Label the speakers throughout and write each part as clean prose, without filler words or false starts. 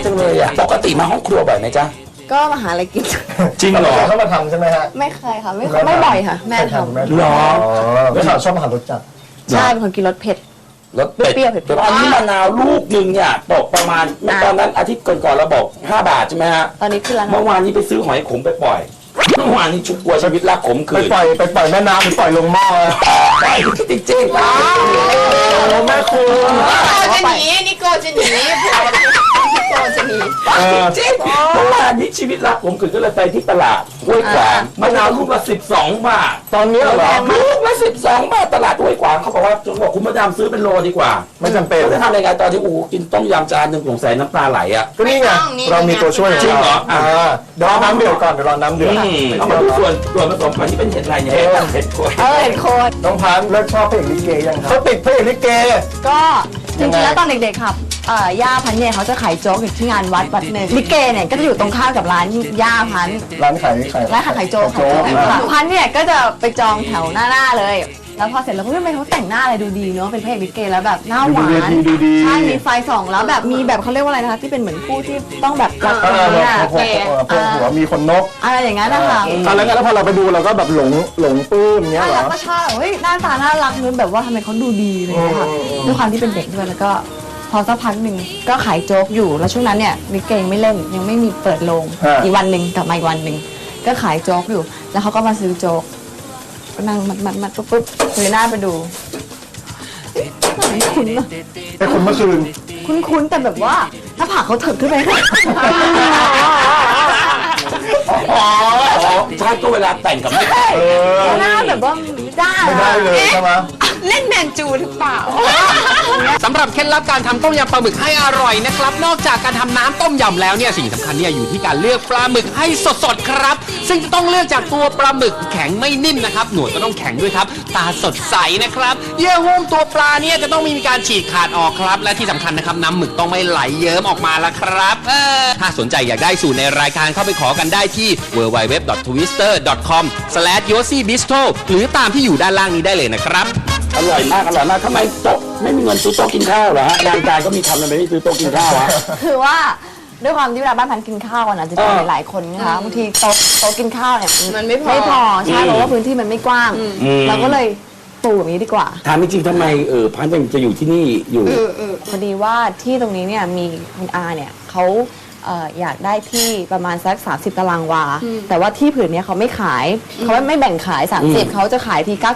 Speaker 1: จังเลยอ่ะปกติมาห้องครัวบ่อยไหมจ๊ะ
Speaker 2: ก็มาหาอะไรกิน
Speaker 1: จริงเหรอ
Speaker 3: เขามาทำใช่ไหมฮะ
Speaker 2: ไม่เคยค่ะไม่บ่อยค่ะแม่ทำ
Speaker 3: หรอแล้วชอบอาหารรสจัด
Speaker 2: ใช่เป็นคนกินรสเผ็ด
Speaker 1: รสเปรี้ยวตอนนี้มะนาวลูกหนึ่งเนี่ยตกประมาณตอนนั้นอาทิตย์ก่อนเราบอก5 บาทใช่ไหมฮะ
Speaker 2: ตอนนี้ขึ้นแล้ว
Speaker 1: เมื่อวานนี้ไปซื้อหอยขมไปปล่อยเมื่อวานนี้ชุบกลัวชีวิตรักขมคืน
Speaker 3: ไปปล่อยแม่น้ำไปปล่อยลงหม้อ
Speaker 1: ไปจริงจริง
Speaker 3: แม่คุณ
Speaker 2: จะหนีนิโก้จะหนีนิโก้จะหนี
Speaker 1: จริงเมื่อวานนี้ชีวิตรักขมคืนก็เลยไปที่ตลาดห้วยขวางมะนาวลูกละ12 บาท
Speaker 3: ตอนนี้เหรอ
Speaker 1: ลูกละ12 บาทตลาดห้วยขวางเขาบอกว่าจนบอกคุณมาดามซื้อเป็นโลดีกว่า
Speaker 3: ไม่จำเป็น
Speaker 1: จะทำยังไงตอนที่กินต้มยำจานหนึ่งสงสัยน้ำตาไหลอ่ะ
Speaker 3: ก็นี่ไงเรามีตัวช่วย
Speaker 1: จริงเหรอ
Speaker 3: เดี๋ยวน้ำเดือดก่อนเดี๋ยวรอน้ำเดือด
Speaker 1: เอามาดูส่วนผสมก่อนที่เป็นเห็ดอะไรเนี่ยเห็ดโคน
Speaker 2: เห็ดโคน
Speaker 3: น้องพันเลิกชอบเพลงลิเกยังครับเขาติดเพลงลิเก
Speaker 2: ก็จริงๆแล้วตอนเด็กๆครับย่าพันเนี่ยเขาจะขายโจ๊กอยู่ที่งานวัดหนึ่งลิเกเนี่ยก็จะอยู่ตรงข้ามกับร้านย่าพัน
Speaker 3: ร้านขาย
Speaker 2: โจ๊กพันเนี่ยก็จะไปจองแถวหน้าเลยแล้วพอเสร็จแล้วก็ทำไมเขาแต่งหน้าอะไรดูดีเนาะเป็นพระเอกลิเกแล้วแบบหน้าหวานใช่มีไฟส่องแล้วแบบมีแบบเขาเรียกว่าอะไรนะคะที่เป็นเหมือนผู้ที่ต้องแบบรักเนี่ย
Speaker 3: พวกหัวมีคนนก
Speaker 2: อะไรอย่างนั้นนะคะ
Speaker 3: แล้วพอเราไปดูเราก็แบบหลงปลื้มเงี้ยเหรอ
Speaker 2: ก็ชอบเฮ้ยหน้าตาน่ารักนึกแบบว่าทำไมเขาดูดีเลยค่ะด้วยความที่เป็นเด็กด้วยแล้วก็พอสักพักหนึ่งก็ขายโจ๊กอยู่แล้วช่วงนั้นเนี่ยลิเกไม่เล่นยังไม่มีเปิดโรงอีกวันหนึ่งกลับมาอีกวันหนึ่งก็ขายโจ๊กอยู่แล้วเขาก็มาซื้อโจ๊กก็นั่งมัดปุ๊บเลยหน้าไปดูคุ้น
Speaker 3: แต่คุณเมื่อคืน
Speaker 2: คุ้นแต่แบบว่าถ้าผากเขาถึกขึ้นไหม
Speaker 1: ใช่ก็เวลาแต่งกับแม่
Speaker 2: หน้าแบบว่าไม่
Speaker 3: ได้เลยใช่ไหม
Speaker 2: เล่นแมนจูหรือเปล่า
Speaker 4: สำหรับเคล็ดลับการทำต้มยำปลาหมึกให้อร่อยนะครับนอกจากการทำน้ำต้มยำแล้วเนี่ยสิ่งสำคัญเนี่ยอยู่ที่การเลือกปลาหมึกให้สดๆครับซึ่งจะต้องเลือกจากตัวปลาหมึกแข็งไม่นิ่มนะครับหนวดก็ต้องแข็งด้วยครับตาสดใสนะครับเยื่อหุ้มตัวปลาเนี่ยจะต้องมีการฉีกขาดออกครับและที่สำคัญนะครับน้ำหมึกต้องไม่ไหลเยิ้มออกมาละครับถ้าสนใจอยากได้สูตรในรายการเข้าไปขอกันได้ที่ www.twister.com/yossibistro หรือตามที่อยู่ด้านล่างนี้ได้เลยนะครับ
Speaker 1: อร่อยมากทำไมโต๊ะไม่มีเงินซื้อโต๊ะกินข้าวเหรอฮะงานการก็มีทำทำไมไม่ซื้อโต๊ะกินข้าวฮะ
Speaker 2: คือว่าด้วยความที่เวลาบ้านพันกินข้าวนะจะกินหลายคนนะคะบางทีโต๊ะกินข้าวเนี่ยมันไม่พอใช่เพราะว่าพื้นที่มันไม่กว้างเราก็เลยปูแบบนี้ดีกว่า
Speaker 1: ถามจริงๆทำไมพันจะอยู่ที่นี่อยู่
Speaker 2: พอดีว่าที่ตรงนี้เนี่ยมีคุณอาเนี่ยเขาอยากได้ที่ประมาณสัก30 ตารางวาแต่ว่าที่ผืนนี้เขาไม่ขายเขาไม่แบ่งขาย30เขาจะขายที่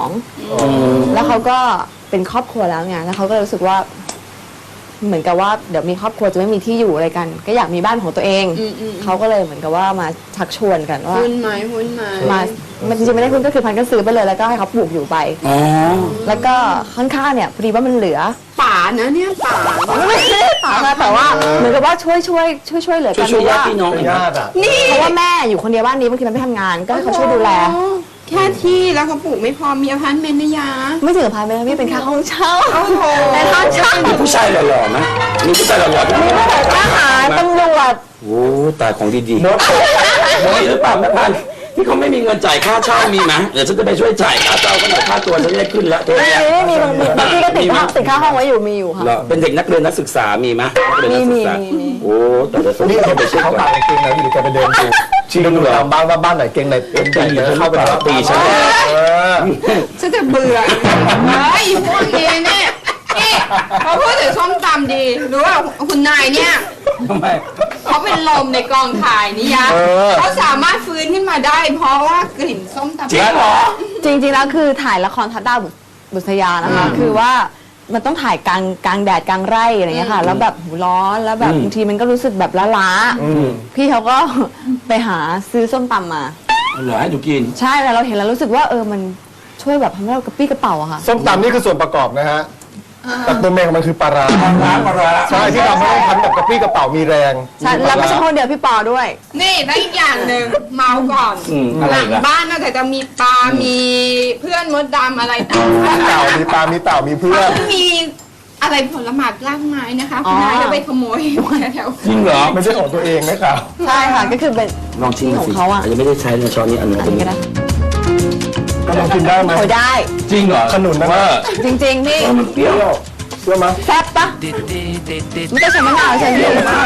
Speaker 2: 92แล้วเขาก็เป็นครอบครัวแล้วไงแล้วเขาก็รู้สึกว่าเหมือนกับว่าเดี๋ยวมีครอบครัวจะไม่มีที่อยู่อะไรกันก็อยากมีบ้านของตัวเองเขาก็เลยเหมือนกับว่ามาชักชวนกันว่า
Speaker 5: หุ้นมา
Speaker 2: มันจริงๆไม่ได้หุ้นก็คือพันก็ซื้อไปเลยแล้วก็ให้เขาปลูกอยู่ไปแล้วก็ข้างๆเนี่ยพอดีว่ามันเหลือ
Speaker 5: ป่านะเนี่ยป่า
Speaker 2: ไม่ใช่ป่าแต่ว่าเหมือนกับว่าช่วยเหลือกัน
Speaker 1: ช่วยญาติพี่น้อง
Speaker 2: นี่เพราะว่าแม่อยู่คนเดียวบ้านนี้บางทีมันไม่ทำงานก็ให้เขาช่วยดูแล
Speaker 5: แค่ที่แล้วเขาปลูกไม่พอมีอพาร์ตเมนต์นะยา
Speaker 2: ไม่ถึงอพาร์ตเมนต์พี่เป็นค่าห้องเช่า
Speaker 5: แต่ห้องเช่า
Speaker 1: มีผู้ชายหล่อๆไหมมีผู้ชายหล่อๆที่นี่
Speaker 2: ทหารตำรวจ
Speaker 1: โอ้ตายของดีๆหรือเปล่าแม่พันที่เขาไม่มีเงินจ่ายค่าเช่ามีไหมเดี๋ยวฉันจะไปช่วยจ่ายค่าเช่ากันหน่อยค่าตัวฉันจะได้ขึ้นแล้ว
Speaker 2: มีบางทีก็ติดค่าห้องไว้อยู่มีอยู่ค่ะ
Speaker 1: เป็นเด็กนักเรียนนักศึกษามีไหม
Speaker 2: มี
Speaker 1: โอ้แต่เดี๋ยว
Speaker 3: นี่เขาไปเช็คเขาตายเก่งไหนอยู่แกไปเดินดูชี้ดูตามบ้านว่าบ้านไหนเก่งไหนเป็นใหญ่เข้าไป
Speaker 1: ตีฉัน
Speaker 5: ฉันจะเบื่อไอ้พวกนี้เนี่ยพอพูดถึงส้มตำดีรู้ว่าคุณนายเนี่ย
Speaker 1: ทำไม
Speaker 5: เขาเป็นลมในกองถ่ายนี่ยะเขาสามารถฟื้นขึ้นมาได้เพราะว่ากลิ่นส้มตำ
Speaker 1: จริงเหรอ
Speaker 2: จริงๆแล้วคือถ่ายละครทัดดาวบุษยานะคะคือว่ามันต้องถ่ายกลางแดดกลางไร่อะไรเงี้ยค่ะแล้วแบบร้อนแล้วแบบบางทีมันก็รู้สึกแบบล้าพี่เขาก็ไปหาซื้อส้มตำมา
Speaker 1: เหรอให้ดูกิน
Speaker 2: ใช่แล้วเราเห็นแล้วรู้สึกว่ามันช่วยแบบทำให้เรากระปี้กระเป๋าอะค่ะ
Speaker 3: ส้มตำนี่คือส่วนประกอบนะฮะแต่ตัวเมงมันคือปลาร้าใช่ที่ทำให้พันแบบกระปี้กระเป๋ามีแรง
Speaker 2: ใช่แล้วไม่ใช่คนเดียวพี่ปอด้วย
Speaker 5: นี่แล้วอีกอย่างหนึ่งเมาก่อนหลังบ้านน่าจะมีปลามีเพื่อนมดดำอะไรต่าง
Speaker 3: ๆมีปลามีเต่ามีเพื่อน
Speaker 5: มีอะไรผลไม้รากไม้นะคะคุณนายจะไปขโมยแถว
Speaker 1: จริงเหรอ
Speaker 3: ไม่ใช่ของตัวเองนะครับ
Speaker 2: ใช่ค่ะก็คือเป็น
Speaker 1: ลองชิมของเขาอ่ะยังไม่ได้ใช้ในช้อนนี้อันนี้
Speaker 2: ก็ได้
Speaker 3: ก็ลองกินได้ไหม
Speaker 2: ได้
Speaker 1: จริงเหรอ
Speaker 3: ขนุนนะ
Speaker 2: จริงๆพี่
Speaker 1: มันเปรี้ยว
Speaker 3: เชื่อไหม
Speaker 2: แซ่บปะไม่ต้องใช้มะนาวใช่ไหม
Speaker 1: ต้องใช้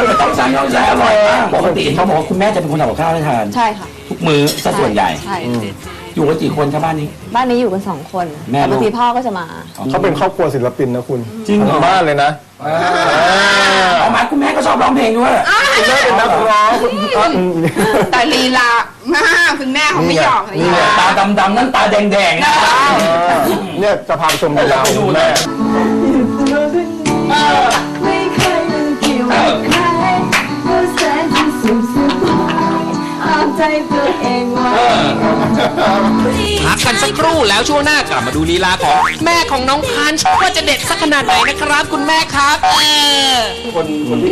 Speaker 1: ำน้องชายอร่อยมากปกติเขาบอกว่าคุณแม่จะเป็นคนทำกับข้าวให้ทาน
Speaker 2: ใช่ค่ะ
Speaker 1: ทุกมื้อซะส่วนใหญ่
Speaker 2: ใช่
Speaker 1: อยู่กันกี่คนครับบ้านนี้
Speaker 2: บ้านนี้อยู่กัน2 คน
Speaker 1: แม่ลูก
Speaker 2: แต่บางทีพ่อก็จะมา
Speaker 3: เขาเป็นครอบครัวศิลปินนะคุณ
Speaker 1: จริงเหรอ
Speaker 3: ทั้บ้านเลยนะ
Speaker 1: เอามาคุณแม่ก็ชอบร้องเพลงด้วย
Speaker 3: คุณแม่เป็นนักร้องคุณ
Speaker 5: แต่ลีลามากคุณแม่เขาไม่หยอกลีลา
Speaker 1: ตาดำๆนั่นตาแดงๆนะ
Speaker 3: เนี่ยจะพาไปชมลีลาของคุณแม่
Speaker 2: ไม่เคยนึกเกี่ยวกับใครว่าแสนจะสุขสบายเอาใจตัวเองไว้
Speaker 4: พักกันสักครู่แล้วช่วงหน้ากลับมาดูลีลาของแม่ของน้องพันช์ว่าจะเด็ดสักขนาดไหนนะครับ คุณแม่ครับ
Speaker 1: คนที่